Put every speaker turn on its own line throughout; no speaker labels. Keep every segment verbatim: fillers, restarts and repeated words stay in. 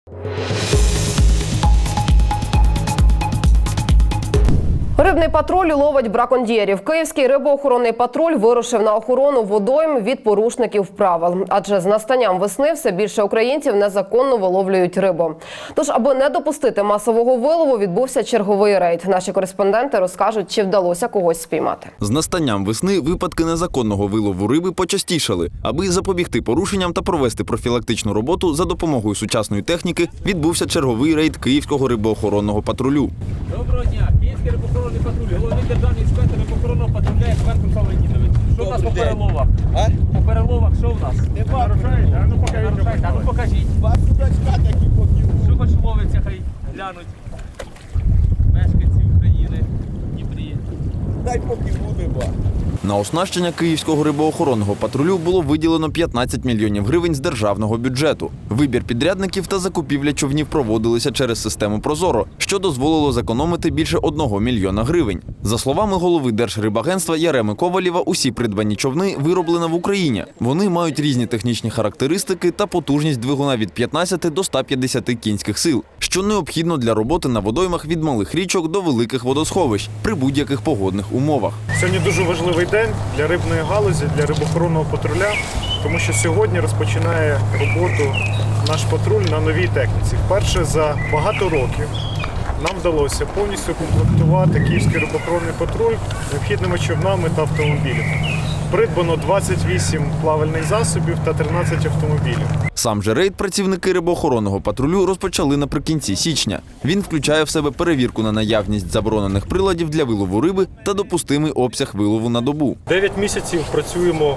Рибний патруль ловить браконьєрів. Київський рибоохоронний патруль вирушив на охорону водойм від порушників правил. Адже з настанням весни все більше українців незаконно виловлюють рибу. Тож, аби не допустити масового вилову, відбувся черговий рейд. Наші кореспонденти розкажуть, чи вдалося когось спіймати.
З настанням весни випадки незаконного вилову риби почастішали. Аби запобігти порушенням та провести профілактичну роботу за допомогою сучасної техніки, відбувся черговий рейд Київського рибоохоронного патрулю.
Доброго дня. Київський рибоохоронний патруль. Головний державний інспектор рибоохоронного патруля експерт Руслан Леонідович. Що в нас по переловах? А? По переловах що в нас? Не нарушаєте? А ну покажіть. А ну покажіть. Що хоч ловиться, хай глянуть. Мешканці України, Дніпрі.
Дай поки буде, ба.
На оснащення Київського рибоохоронного патрулю було виділено п'ятнадцять мільйонів гривень з державного бюджету. Вибір підрядників та закупівля човнів проводилися через систему «Прозоро», що дозволило зекономити більше одного мільйона гривень. За словами голови Держрибагентства Яреми Ковалєва, усі придбані човни вироблені в Україні. Вони мають різні технічні характеристики та потужність двигуна від п'ятнадцяти до ста п'ятдесяти кінських сил, що необхідно для роботи на водоймах від малих річок до великих водосховищ при будь-яких погодних умовах.
Сьогодні дуже важливий день для рибної галузі, для рибоохоронного патруля, тому що сьогодні розпочинає роботу наш патруль на новій техніці. Вперше за багато років нам вдалося повністю комплектувати Київський рибоохоронний патруль необхідними човнами та автомобілями. Придбано двадцять вісім плавальних засобів та тринадцять автомобілів.
Сам же рейд працівники рибоохоронного патрулю розпочали наприкінці січня. Він включає в себе перевірку на наявність заборонених приладів для вилову риби та допустимий обсяг вилову на добу.
Дев'ять місяців працюємо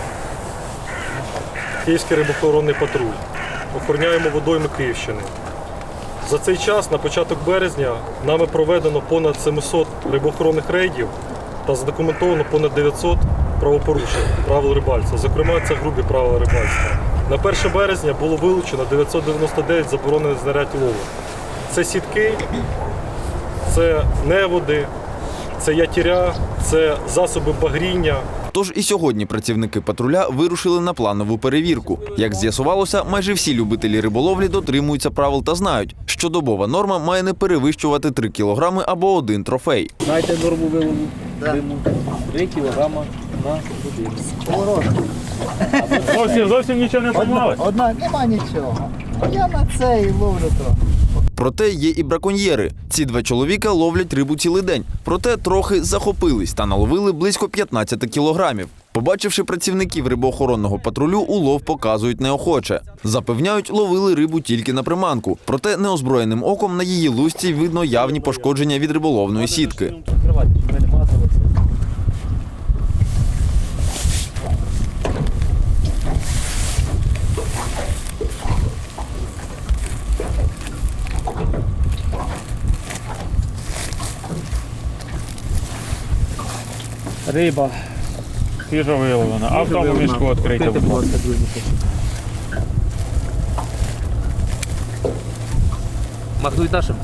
Київський рибоохоронний патруль. Охороняємо водойми Київщини. За цей час, на початок березня, нами проведено понад сімсот рибоохоронних рейдів та задокументовано понад дев'ятсот правопорушень правил рибальства. Зокрема, це грубі правила рибальства. На перше березня було вилучено дев'ятсот дев'яносто дев'ять заборонених знарядь лову. Це сітки, це неводи, це ятіря, це засоби багріння.
Тож і сьогодні працівники патруля вирушили на планову перевірку. Як з'ясувалося, майже всі любителі риболовлі дотримуються правил та знають, що добова норма має не перевищувати три кілограми або один трофей.
Знаєте норму вилову? Риму? три кілограми на годину.
Зовсім, зовсім нічого не помалось?
Одна, нема нічого. Я на це і ловлю трохи.
Проте є і браконьєри. Ці два чоловіка ловлять рибу цілий день. Проте трохи захопились та наловили близько п'ятнадцяти кілограмів. Побачивши працівників рибоохоронного патрулю, улов показують неохоче. Запевняють, ловили рибу тільки на приманку. Проте неозброєним оком на її лусці видно явні пошкодження від риболовної сітки.
Риба свіжо виловлена, а в тому мішку відкрийте, будь ласка.
Махнуть нашим.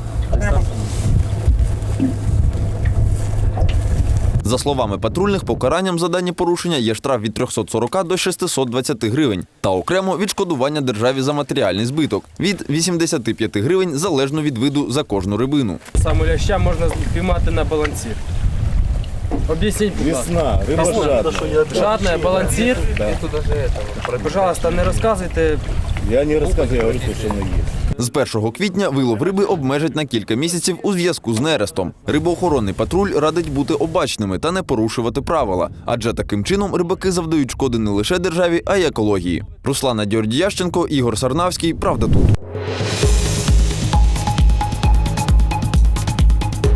За словами патрульних, покаранням за дані порушення є штраф від трьохсот сорока до шестисот двадцяти гривень та окремо відшкодування державі за матеріальний збиток від вісімдесяти п'яти гривень залежно від виду за кожну рибину.
Саме ляща можна спіймати на балансір. Об'ясніть, будь ласка.
Весна, риба жадна.
Жадная, балансир.
Да.
Пожалуйста, не розказуйте.
Я не розказую, я говорю, що не є.
З першого квітня вилов риби обмежать на кілька місяців у зв'язку з нерестом. Рибоохоронний патруль радить бути обачними та не порушувати правила, адже таким чином рибаки завдають шкоди не лише державі, а й екології. Руслана Дьордіященко, Ігор Сарнавський. Правда тут.